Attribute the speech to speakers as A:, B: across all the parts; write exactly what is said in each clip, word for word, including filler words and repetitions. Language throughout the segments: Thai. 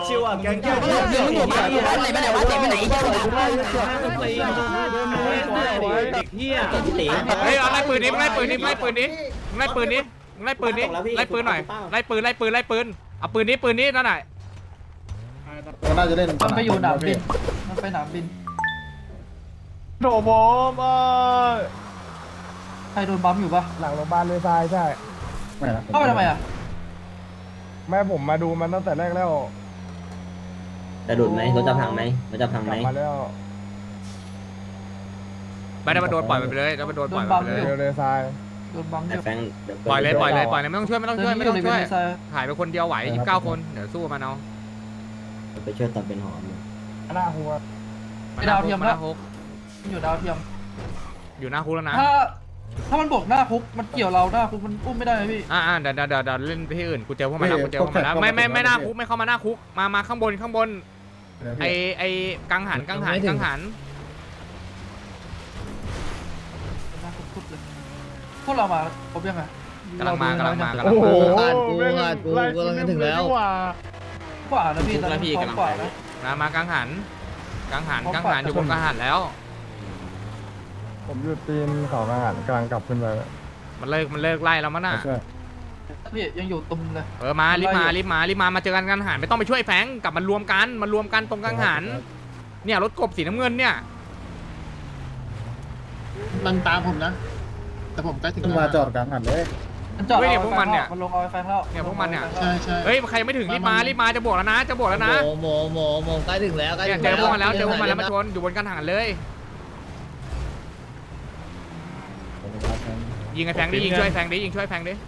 A: ชิวอ่ะแกงแก้ว
B: เรื่องผมมาอยู่บ้านไหนบ้านไหนวะเจ็บไปไหนเจ็บไปไหน
A: เด็กเฮีย
C: เฮ้ยเอาไล่ปืนนี้ไล่ปืนนี้ไล่ปืนนี้ไล่ปืนนี้ไล่ปืนนี้ไล่ปืนหน่อยไล่ปืนไล่ปืนไล่ปืนเอาปืนนี้ปืนนี้นั่นแหละ
D: น่าจะเล่น
E: มันไปอยู่หนามบินมันไปหนามบิน
A: โถผมเออ
E: ใครโดนบัมอยู่ปะ
F: หลังโรงพยาบาลเลยทรายใช่
D: ไม่นะ
E: เข้าไปทำไมอ่ะ
F: แม่ผมมาดูมันตั้งแต่แรกแล้ว
B: จะดูดไหมรถจะพังไหมรถจะพัง
F: ก
B: ไหม
F: ลับมาแล้ว
C: ไม่ได้มาโดนปล่อยมันไปเลยแล้วมาโดนปล่อยมันไปเลย
F: เร็วเลยทราย
E: โดนบัมอ
B: แต่
E: ยู่
B: แฟง
C: ปล่อยเลยปล่อยเลยปล่อยเลยไม่ต้องช่วยไม่ต้องช่วยไม่ต้องช่วย
E: เดิน
C: ถ่ายไปคนเดียวไหวยี่สิบเก้าคนเดี๋ยวสู้มันเอา
B: ไปช่วยตัดเป็นหอม
F: หน้าหัว
C: มาหน้าคุกมาหน้าคุก
E: อยู่ดาวเทียม
C: อยู่หน้าคุกแล้วนะ
E: ถ้าถ้ามันบวกหน้าคุกมันเกี่ยวเราหน้าคุกมันอุ้มไม่ได้ไหมพี่
C: อ่าเดี๋ยวเดี๋ยวเดี๋ยวเล่นไปที่อื่นกูเจอพวกมันแล้วกูเจอพวกมันแล้วไม่ไม่ไม่หน้าคุกไม่เข้ามาหน้าคุกมามาข้างบนข้างบนไอไอกังหันกังหันกังหัน
E: หน้าคุกทุบเลยพวกเรามาครบยังไง
C: กำลังมากำลังมากำลัง
F: โอ้โห
C: มา
F: กูขาดกูกำลังถึงแล้ว
E: ขวานะพี่ตอนนี้พร้อมขวานะ
C: มามากังหันกังหันกังหันอยู่บนกังหันแล้ว
F: ผมอยู่ตีนเขากระหันกำลังกลับขึ้นไป
C: มันเลิกมันเลิกไล่แล้วมั้งน่ะ
F: ช่วย
E: พี่ยังอยู่ตุ่มเลย
C: เออมารีบมารีบมารีบมามาเจอกันกังหันไม่ต้องไปช่วยแฟงกลับมารวมกันมารวมกันตรงกังหันเนี่ยรถกบสีน้ำเงินเนี่ย
D: มันตามผมนะ แต่ผมใกล้ถึงมาจอดกลางหันเลย
E: มันจอดมันลงเอาไฟเข้า
C: เนี่ยพวกมันเนี่ย
D: ใช่ใช่
C: เฮ้ยใครไม่ถึงรีบมารีบมาจะบวกแล้วนะจะบวกแล้วนะ
B: โมโมโมใกล้ถึงแล้วใกล้
C: เนี่ย
B: ถึง
C: เจอพวกมันแล้วเจอพวกมันแล้วมาชนอยู่บนกังหันเลยยิงไอ้แฟงดิยิงช่วยแฟงดิยิงช่วยแฟงดิ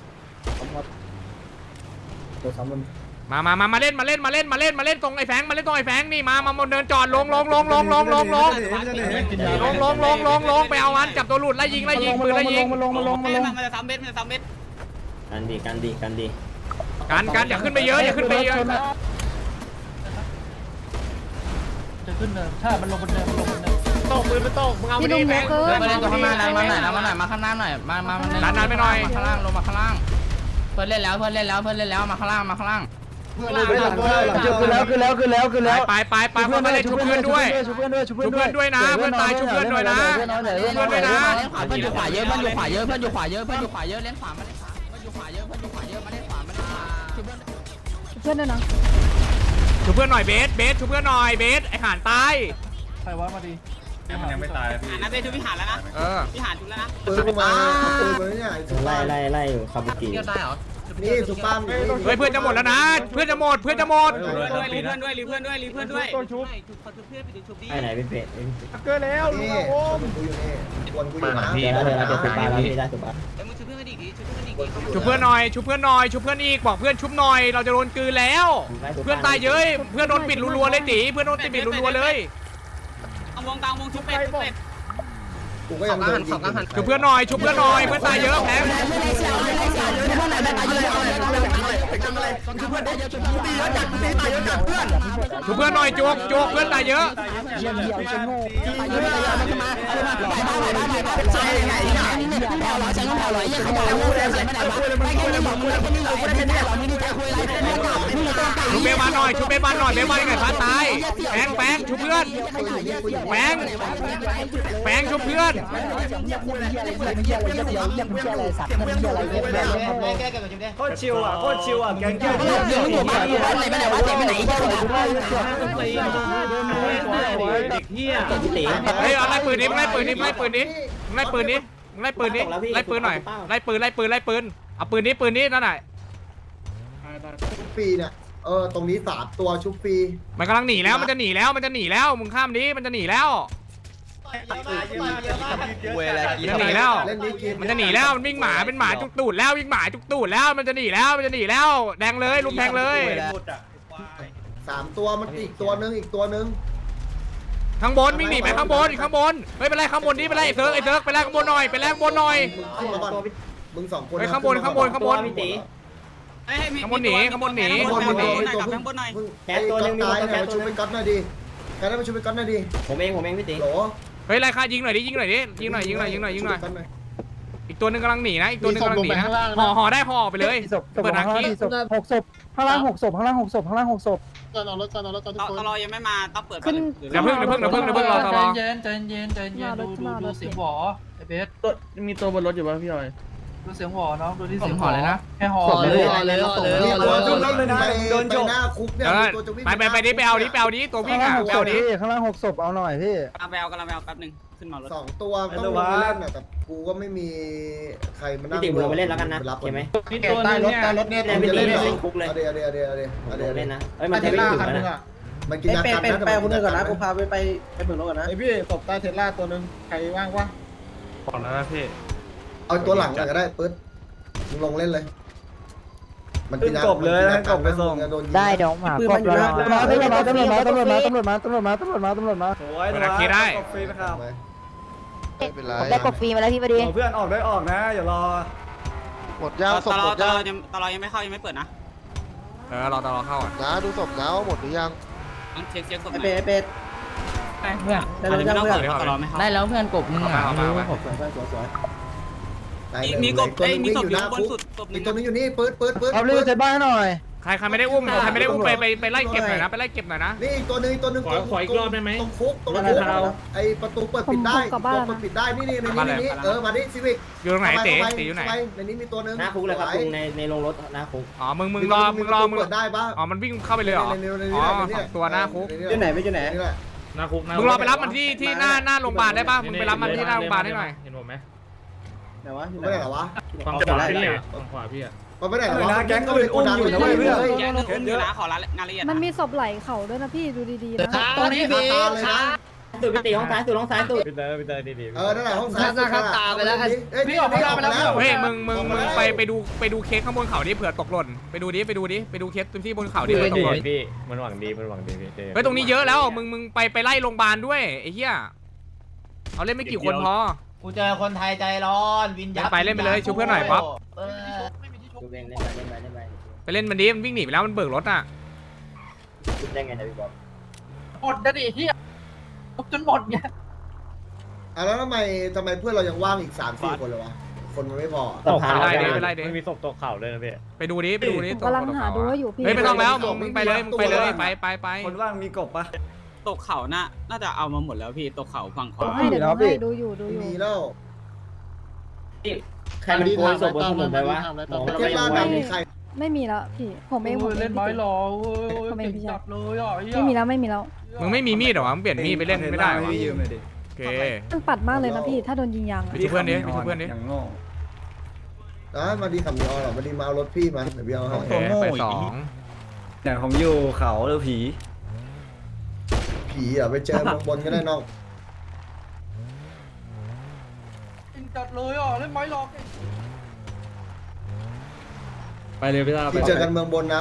D: ตัวซ้ำมัน
C: มามามามาเล่นมาเล่นมาเล่นมาเล่นมาเล่นตรงไอ้แฟงมาเล่นตรงไอ้แฟงนี่มามาเดินจอดลงลงลงลงลงลงลงลงลงลงลงลงลงไปเอามันจับตัวหลุดไล่ยิงไล่ยิงปืนไล่ยิง
F: มันลงมันลงมันลง
G: มันจะซ้ำเบ็ดมันจะซ้ำเบ็ด
B: กันดีกันดีกันดี
C: กันกันอย่าขึ้นไปเยอะอย่าขึ้นไปเยอะ
E: จะขึ้นเนินถ้ามันลงบนเนินมันลงบนเนิน
C: ตกปืนไปตกมึงเอาไปดิแฟง
G: มาเล่นตัวข้างหน้ามาหน่อยมาหน่อยมาข้างหน้าหน่อยมามา
C: ดันดันไปหน่อย
G: ข้างล่างลงมาข้างล่างเพื่อนเล่นแล้วเพื่อนเล่นแล้วเพื่อนเล่นแล้วมาข้างล่างมาข้างล่าง
F: ขึ้นแล้วขึ้นแล้วขึ้นแล้วขึ้นแล้ว
C: ไปไปไปไปมาเล่นชุบเพื่อนด้วย
F: ชุบเพื่อนด้วยชุบ
C: ชุบเพื่อนด้วยนะเพื่อนตายชุบเพื่อนด้วยนะชุบเพื่อนด้วยนะ
G: เล่นขวาเพื่อนอยู่ขวาเยอะเพื่อนอยู่ขวาเยอะเพื่อนอยู่ขวาเยอะเพื่อนอยู่ขวาเยอะเล่นขวามาเล่นขวาเพื่อนอยู่ขวาเยอะเพื่อนอยู่ขวาเยอะมาเล่นขวามาเล่นขวาชุบเพื่อน
H: เพื่อนด้วยนะ
C: ชุบเพื่อนหน่อยเบสเบสชุบเพื่อนหน่อยเบสไอ้ห่านตาย
E: ใครว่ามาดี
A: มันยังไม่ตายพี่
G: หานะเบ็ดชุบพิหารแล้วนะ
C: เออ
G: พิหารชุบแล้วนะ
D: ปืนมาปืนมาเนี่ย
B: ไล่ไล่ไล่คาบุกิ
G: เที่ยวได้เหรอ
D: นี่สุปั้ม
C: เฮ้ยเพื่อนจะหมดแล้วนะเพื่อนจะหมดเพื่อนจะหมด
G: ด้วยรีเพื่อนด้วยรีเพื่อนด้วยรีเพื่อนด้วย
F: ต้นชุบ
B: ไอ้ไหนเป็นเพจ
F: เกินแล้วลู
D: นี่
F: กโอ้ม
D: กูอยู่นี่วนกูอยู่นะ
B: เดี๋ยวเราจะสุบาแล้วพี่ได้สุบา
G: เอ้ยมึงชุบเพื่อนกันอีกดิชุบเพื่อนกันอีกดิ
C: ชุบเพื่อนหน่อยชุบเพื่อนหน่อยชุบเพื่อนอีกบอกเพื่อนชุบหน่อยเราจะโดนกลืนแล้ว เพื่อนตายเยอะเพื่อนโดนปิดรัวๆเลยตีเพื่อนโดนปิดรัวๆเลย
G: เอาวงกลางวงชุบเป็ดชุบเป็ด
D: กูก็ยังโดน
C: ชุบเพื่อนหน่อยชุบเพื่อนหน่อยเพื่อนตายเยอะแพ้ชุบเพื่อนหน่อยจุกจุกเพื่อนตายเยอะ
F: เยี่ยมเยี่ยมฉันโง่
C: ชุบเบบันหน่อยชุบเบบันหน่อยเบบันไงฟ้าตายแปงแปงชุบเพื่อนแปงแปงชุบเพื่อน
A: โคตรชิวอ่ะโคตรชิวอ่ะแกงแก้ว
B: เรื่องผมมาอยู่บ้านไหนบ้านไหนวะเจ็บไปไหนเจ็บไปไหน
A: เด็กเฮีย
C: เฮ้ยเอาไล่ปืนนี้ไล่ปืนนี้ไล่ปืนนี้ไล่ปืนนี้ไล่ปืนนี้ไล่ปืนหน่อยไล่ปืนไล่ปืนไล่ปืนเอาปืนนี้ปืนนี้นั่นไหน
D: ชุบฟรีเนี่ยเออตรงนี้สามตัวชุบฟรี
C: มันกำลังหนีแล้วมันจะหนีแล้วมันจะหนีแล้วมึงข้ามนี้มันจะหนีแล้วมันจะหนีแล้ว
D: เล่นนี้กิน
C: มันจะหนีแล้วมันวิ่งหมาเป็นหมาจุกตูดแล้ววิ่งหมาจุกตูดแล้วมันจะหนีแล้วมันจะหนีแล้วแดงเลยลุมแทงเลย
D: สามตัวมันอีกตัวนึงอีกตัวนึง
C: ข้างบนวิ่งหนีไปข้างบนข้างบนเฮ้ยไปไล่ข้างบนนี่ไปไล่ไอ้เซิร์กไอ้เซิร์กไปไล่ข้างบนหน่อยไปไล่ข้างบนหน่อย
D: ขึ้นมาก่อนมึงสองคน
C: เฮ้ยข้างบนข้างบนข้างบน
G: เอ้ย
C: ข้างบนหนีข้างบนหนี
D: ข้างบน
C: ข้างบนหนี
G: กับข้างบนหน่อย
D: แกตัวนึงมีตัวแกชุบไปก๊อตหน่อยดิแกได้มาชุบไปก๊อตหน่อยดิ
B: ผมเองผมเองพี่ตี
D: โหล
C: เฮ้ยไล่ฆ่ายิงหน่อยดิยิงหน่อยดิยิงหน่อยยิงหน่อยยิงหน่อยยิงหน่อยอีกตัวหนึงกำลังหนีนะอีกตัวหนึงกำลังหนีนะห่อห่อได้ห่อไปเลย
F: ศพศพ
C: เปิดทาง
F: ห้า
C: กี้
F: ศพหกศพข้างล่างหกศพข้างล่างหกศพข้างล่างหกศพ
H: ก่อนเอารถก่อนเอารถก่อนทุกคน
G: ตลอยังไม่มาต้องเปิด
I: ขึ้น
C: เดี๋ยวเพิ่งเดี๋ยวเพิ่งเดี๋ยวเพิ่งเดี๋ยวเพิ่งรอตลอ
E: ใจเย็นใจเย็นใจเย็นดูดูดูเสียงหวอไอเบส
A: มีตัวบนรถอยู่ป่ะพี่ออย
E: ดูเสียงหวอน้องดูที่เสียงหวอเลยนะแค่หอ
H: ห่อเลยห่อเลยห่อเลย
D: นี่
H: ห่อ
D: ตัว
H: เลย
D: ขึ้นรถเลยนะโดนโจหน้าคุกเนี่ย
C: เดี๋ยว
D: มีตัวจะวิ่ง
C: ไปไปไปดิไปเอาดิไปเอาดิตัววิ่ง
F: ข้างล่า
C: อ่ะ
F: งหก
C: ไป
F: ศ
C: เอา
F: พ
C: ดิ
F: พี่ข้างล่างหกศพเอาหน่อยพี่
G: กำลังไปเอากำลังไปเอาแป๊บนึงขึ้นมารถ
D: สองตัวต้องลงไปเล่นน่ะแต่กูก็ไม่มีใครมานั่
B: พี่
D: ง
B: ติ๋มลงไปเล่นแล้วกันนะ
D: รับ
B: โอเคไหม
H: ใต้รถใต้รถเนี่ย
B: เล่นไม่ดีไม่ลงคุกเลย
D: เอาเดี๋ยวเดี๋ยวเดี๋ยวเดี๋ยว
B: ผม
D: เดี๋ยว
B: ลง
D: เดี๋
B: เล่
D: ย
B: น
D: ว
B: นะเอ้ยมันจะวิ่งถึงแล้วนะ
D: มันกินยากันนะ
H: ไปคนนึงก่อนนะกูพาไปไปไปเบิกรถก่อนนะไอพี่ตบใต้เทสลาตัวนึงใครว่างวะ
A: ก่อนแล้วนะพี่
D: เอาตัวหลังก็ได้ปึ๊ดมึงลงเล่นเลยมันกินยา
A: จบเลยนะจบไปส่ง
D: โดนยิง
I: ได้เดี๋ยวหมา
H: ปืนมันอยู่หน้า
F: ตำรวจมาตำรวจมาตำรวจมาตำรวจมาตำรวจมาตำรวจมาตำรวจมาตำรวจมา
A: โอ้ย
C: เปิดอาคีได้
A: ฟรีนะครับ
D: ไม่เป็นไร
I: ได้กบฟรีมาแล้วพี่พอดี
A: เพื่อนออกได้ออกนะอย่ารอ
D: หมดยาวศ
G: ต
D: พ
G: ล
D: หม
G: อ
D: ด
G: ตล
D: ยา
G: อ
D: ว
G: ยังตลอยังไม่เข้ายังไม่เปิดนะ
C: เออรอตลอเข้าอ่ะ
D: นะดูศพนะว่าหมดหรือยัง
G: ต้องเช็คเช็คศพห
H: ไอ
G: น่อย
H: เบสเบส
E: เพื่อน
H: ได้รถยัง
G: ไม่ต้อง
H: เพื่อ
G: เปิ
H: น
G: ดตลอไม่เข้า
E: ได้แล้วเพื่อนกบมึงอ่ะ
C: เอาไปเอาไป
H: สวยสวยสวย
G: มีกบเอ้ยมีศพอยู่บนสุดศพ
D: อีกตัวนึงอยู่นี่ปื๊ดปื๊ดปื๊ด
F: เอาเรื่องเซตบ้านหน่อย
C: ใครใครไม่ได้อุ้มใครไม่ได้อุ้มไปไปไปไล่เก็บหน่อยนะไปไล่เก็บหน่อยนะ
D: นี่อีกตัวนึงอีกตัวนึงตรงขออีกรอบได้ไหมตรงคุกตรงคุกไอประตูเปิดปิดได้เปิดปิดได้นี่นี่ในนี้นี่เออมาดิซีวิก
C: อยู่ตรงไหนเต๋เต๋อยู่ไหน
D: ในนี้มีตัวนึง
B: หน้าคุกเลยครับลุงในในโรงรถหน้าคุก
C: อ๋อมึงมึงรอมึงรอมึง
D: เปิดได้ปะ
C: อ๋อมันวิ่งเข้าไปเลยเหรออ๋อสองตัวหน้าคุก
H: อยู่ไหนไม่อยู่ไหน
D: นี่แหละ
A: หน้าคุก
C: มึงรอไปรับมันที่ที่หน้าหน้าโรงพยาบาลได้ป่ะมึงไปรับมันที่หน้าโรงพยาบาลให้หน่อย
A: เห็นผมไหม
H: ไหนวะอยู่ไหน
D: ไม่ได้เหรอวะ
A: ฝั่งขวาพี่อ่ะฝั่งขวาพี่อ่ะ
D: มันไม่ได้เหรอ
A: แก๊งก็เป็นอุ้มอยู่นะเว้ยเพื่อน
G: แกนึงอุ้มอยู่นะขอรายงานละเอียด
I: มันมีศพไหลเข่าด้วยนะพี่ดูดีๆนะ
H: ตรงนี้เบส
D: เลยนะ
B: สุดไปตีห้องซ้ายสุดห้องซ้ายสุด
A: พี่เตอร์พี่เตอร์ดี
D: เออนั่นแหละห้องซ้ายเอ้ย
E: พี่ออกไม่ได้ไปแล้วพี่ออก
C: เฮ้ยมึงมึงมึงไปไปดูไปดูเคสข้างบนเขาดิเผื่อตกหล่นไปดูดิไปดูดิไปดูเคสที่บนเขาดิเผื่อตกหล่น
A: พี่มันหวังดีมันหวังดีพี่
C: เฮ้ยตรงนี้เยอะแล้วมึงมึงไปไปไล่โรงพยาบาลด้วยไอ้เหี้ยเอาเล่นไม่กี่คนพอ
H: กูเจอคนไทยใจร้อนวินยั
C: ไปเล่นไปเลยชูเพื่อนหน่อยป๊อป
B: ดูเองเล่นไปเล่นไปเล่นไป
C: ไปเล่นมันดิมันวิ่งหนีไปแล้วมันเบิกรถอ่ะ
B: คิดได้ไงนะพี่บอล
E: หมดนะดิที่จนหมดไง
D: อ่ะแล้วทำไมทำไมเพื่อนเรายังว่างอีกสามสี่คนเลยวะคนมันไม่พอ
B: สะพาน
C: ไปไล่ดิไปไล่ดิ
A: มันมีศพตกเข่าเลยนะพี่
C: ไปดูดิไปดูดิ
I: ผมกำลังหาดูว่าอยู่พี่
C: เฮ้ยไม่ต้องแล้วมึงมึงไปเลยมึงไปเลยไปไปไป
A: คนว่างมีกบปะ
G: ตกเขาน่าน่าจะเอามาหมดแล้วพี่ตกเขาฝั่งขวา
I: ให้เดี๋ยวให้ดูอยู่ดูอยู่
D: มีแล้ว
B: ใครมันโกยศพบนถนนไปวะมอง
D: ประ
B: ไม่
D: เทศลา
B: รู้
D: ดมีใคร
I: ไม่มีแล้วพี่ผมเองผมเอ
E: เล่
I: ง
E: นไม้
I: พี่
E: หรอเก่งจัดเลยอ่ะ
I: ไม่มีแล้วไม่มีแล้ว
C: มึงไม่มีมีดเหรอวะมึงเปลี่ยนมีดไปเล่นไม่ได้เหรอ
A: ให้ยืมเลยดิ
C: โอเค
I: มันปัดมากเลยนะพี่ถ้าโดนยิงยาง
C: ไปช่วยเพื่อนดิไปช่วยเพื่อนดิ
A: อย่างโง่
D: นะมาดีขับยอหรอมาดีมาเอารถพี่มาเดี๋ยวพี่เอาให้
C: โอเคไปสอง
A: อย่างผมอยู่เขาหรือผี
D: ผีอ่ะไปเจอเมืองบนก็ได้น้อง
E: เก่งจัดเลยอ่ะเล่นไม้หรอ
A: ไปเลยพี่ตา
D: ที่เจอกันเมืองบนนะ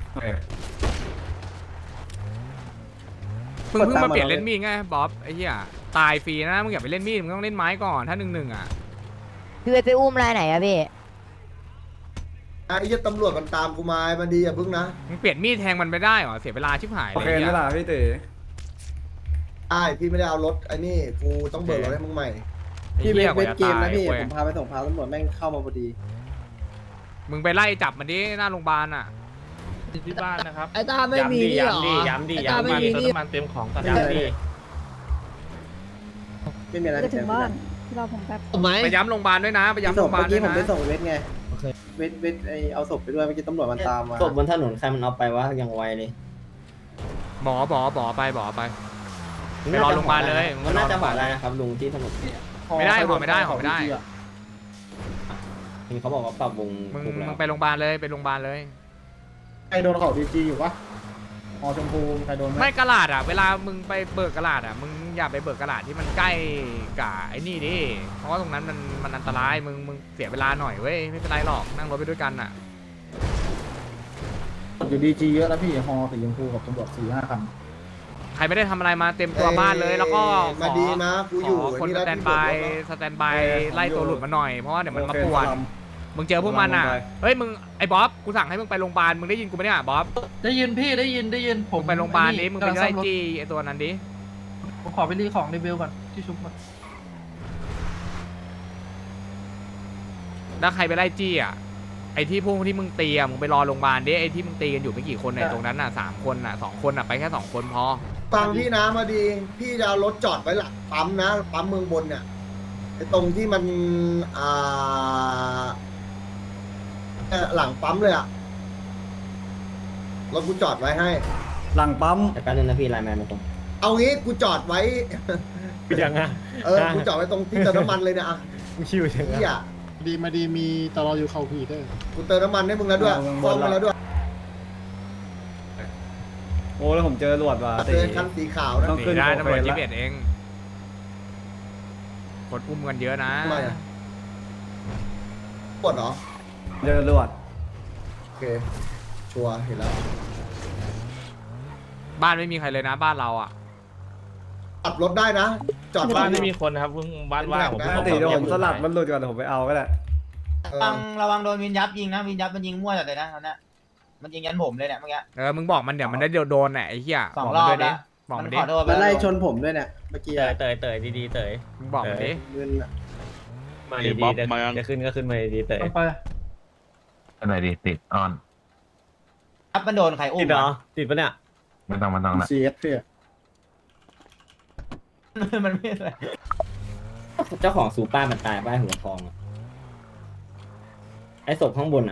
C: มึงเพิ่งมาเปลี่ยนเล่นมีดไงบ๊อบไอ้เหี้ยตายฟรีนะมึงอย่าไปเล่นมีดมึงต้องเล่นไม้ก่อนถ้าหนึ่งหนึ่งอ่ะ
I: พี่ไปอุ้มรายไหนอะพี่
D: ไอ้ยี่ตำรวจมันตามกูมามาดีอย่าพึ่งนะ
C: มึงเปลี่ยนมีดแทงมันไม่ได้เหรอเสียเวลาชิบหาย
A: โอ
C: เลย
A: เค
C: ไอ้
A: นี่
C: เหี้ย
A: แหละพี่เต๋
D: ไอ้พี่ไม่ได้เอารถไอ้นี่กูต้องเบิกรถให้มึงใหม่
C: ไอ้
H: พี่เบ
C: เหี้ย
H: ส
C: ก
H: เบ
C: ว่า
H: ส
C: จะ
H: เกม
C: ตาย
H: นะพี่
C: เว้ย
H: ผมพาไปส่งพาตำรวจแม่งเข้ามาพอดี
C: มึงไปไล่จับมันดิหน้าโรงพยาบาลอ่ะ
A: ที่บ้านนะครับ
H: ไอ้ตาไม่มีนี่หรอ
A: ย้ำดิ
H: ไอ้
A: ย้ำ
H: ตา
A: ดิ
H: ไม่มีนี่
A: น้ำมันเต็มของ
H: ย้ำดิไม่มีอะไร
I: จะถึงบ้านที่เราผมแป๊บ
H: ไหม
C: ไปย้ำโรงพยาบาลด้วยนะไปย้ำ
H: ศ
C: โร
H: พ
C: งพยาบา
H: เมื่
C: ล
H: อ
C: ด้
H: กี้
C: วยนะ
H: ผมไปส่งเวทไงเวทเวทไอเอาศพไปด้วยเมื่อกี้ตำรวจมันตามมา
B: ศพบนถนนใครมันเอาไปวะอย่างไวเลย
C: หมอหมอหมอไปหมอไป ไปรอโรงพยาบาลเลย
B: มันน่าจะหอได้นะครับลุงที่ถนน
C: ไม่ได้หอไม่ได้หอไม่ได้
B: เห็นเขาบอกว่าปรับวง
C: มึง
B: ถูกแล้
C: มึ
B: ว
C: งไปโรงพยาบาลเลยไปโรงพยาบาลเลย
H: ใครโดนเขาดีจีอยู่ปะหอชมพูใครโดนไหม
C: ไม่กระดาษอ่ะเวลามึงไปเบิกกระดาษอ่ะมึงอย่าไปเบิกกระดาษที่มันใกล้กับไอ้นี่ดิเพราะว่าตรงนั้นมันมันอันตรายมึงมึงเสียเวลาหน่อยเว้ยไม่เป็นไรหรอกนั่งรถไปด้วยกันอ่ะ
H: อยู่ดีจีเยอะแล้วพี่ฮอสีชมพูกับตำรวจสี่ห้าคัน
C: ใครไม่ได้ทำอะไรมาเต็มตัวบ้านเลยแล้วก็ข
D: มา
C: อ
D: ดีมากูอยู่
C: ขอคนสแตนบายสแตนบายไล่ตัวหลุดมาหน่อยเพราะว่าเดี๋ยวมันมาป่วนมึงเจอพวกมันอ่ะเฮ้ยมึงไอ้บ๊อบกูสั่งให้มึงไปโรงพยาบาลมึงได้ยินกูไหมเนี่ยบ๊อบ
E: ได้ยินพี่ได้ยินได้ยินผ
C: มึ
E: ม
C: งไปโรงพยาบาลนี้มึงไปไล่จี้ไอ้ตัวนั้นดิ
E: ผมขอไปรีของรีวิวก่อนที่ชุบก่อน
C: ถ้าใครไปไล่จี้อ่ะไอ้ที่พวกที่มึงตีอะมึงไปรอโรงพยาบาลดิไอ้ที่มึงตีกันอยู่ไม่กี่คนเนี่ยตรงนั้นน่ะสามคนน่ะสองคนน่ะไปแค่สองคนพอ
D: ฟังพี่นะมาดี พี่จะเอารถจอดไว้หลังปั๊มนะปั๊มเมืองบนเนี่ยไอ้ตรงที่มันอ่าเอ่อหลังปั๊มเลยอะรถกูจอดไว้ให้
H: หลังปั๊ม
B: แต่แป๊บนึงนะพี่ไลน์แมนมาตรง
D: เอางี้กูจอดไว้
A: ยังอ่ะ
D: เออกูจอดไว้ตรงที่เติมน้ำมันเลยนะอะ
A: ชิวจัง
D: พี่
A: อ่ะ
D: อะ
H: ดีมาดีมีตลออยู่เข้าพีเตอร์
D: กูเติมน้ำมันให้มึงแล้วด้วยฟ้องมาแล้วด้วย
A: โอ้แล้วผมเจอตำรวจว่ะ
D: เจอคันสีขาวนะ
A: ต้อง
C: หนี
A: ขึ้น
C: ได้
A: โอ
C: ตำ
A: เค
C: รวจ
A: ละ
C: ยี่สิบเอ็ดเองกดอุ้มกันเยอะนะ
D: ทำไมอะปวดเหรอ
A: เจอตำรวจ
D: โอเค ชัวร์เห็นแล้ว
C: บ้านไม่มีใครเลยนะบ้านเราอ่ะ
D: ขับรถได้นะ จอด
I: บ้าน
D: ไม่
I: ไม่
D: มี
I: มี
D: คนนะครับบ้านว่างผม
A: ปกติเดี๋ยวผมสลัดมันหลุดก่อนเดี๋ยวผมไปเอาก็ได้
D: เอ
G: ระวั
D: อง
G: ระวังโดนวินยับยิงนะวินยับมันยิงมั่วจัดเลยนะตอนนี้มันยิงยันผมเลยเนี่ยเมื่อกี้
C: เออมึงบอกมันเดี๋ยวมันได้โดนแหละไอ้เหี้ย
G: สอง
C: บกมัน
G: รอบ
C: ด้วยดิ
G: แล้ว
C: บอก
G: มั
C: มัน
G: น
C: ดิ
G: ขอโทษไป
H: มา
G: แล้ว
H: ไล่ชนผมด้วยเนี่ยเมื่อกี้
F: เตยเตยดีๆเตย
C: มึงบอกมันดิ
H: เงินอะ
F: มาดีๆจะขึ้นก็ขึ้นมาดีๆเตย
E: ต้องไป
F: อะไรดีติดออน
G: ยับมันโดนใครอุ้
F: ติ
G: ม
F: ดเหรอ
G: อะ
F: ติดปะเนี่ยไม่ต้องไม่ต้องละ
H: ซีเอสพี่
G: มันไม่อะไร
B: เจ้าของซูป้ามันตายป้ายหัวทองอะไอ้ศพข้างบนอ่ะ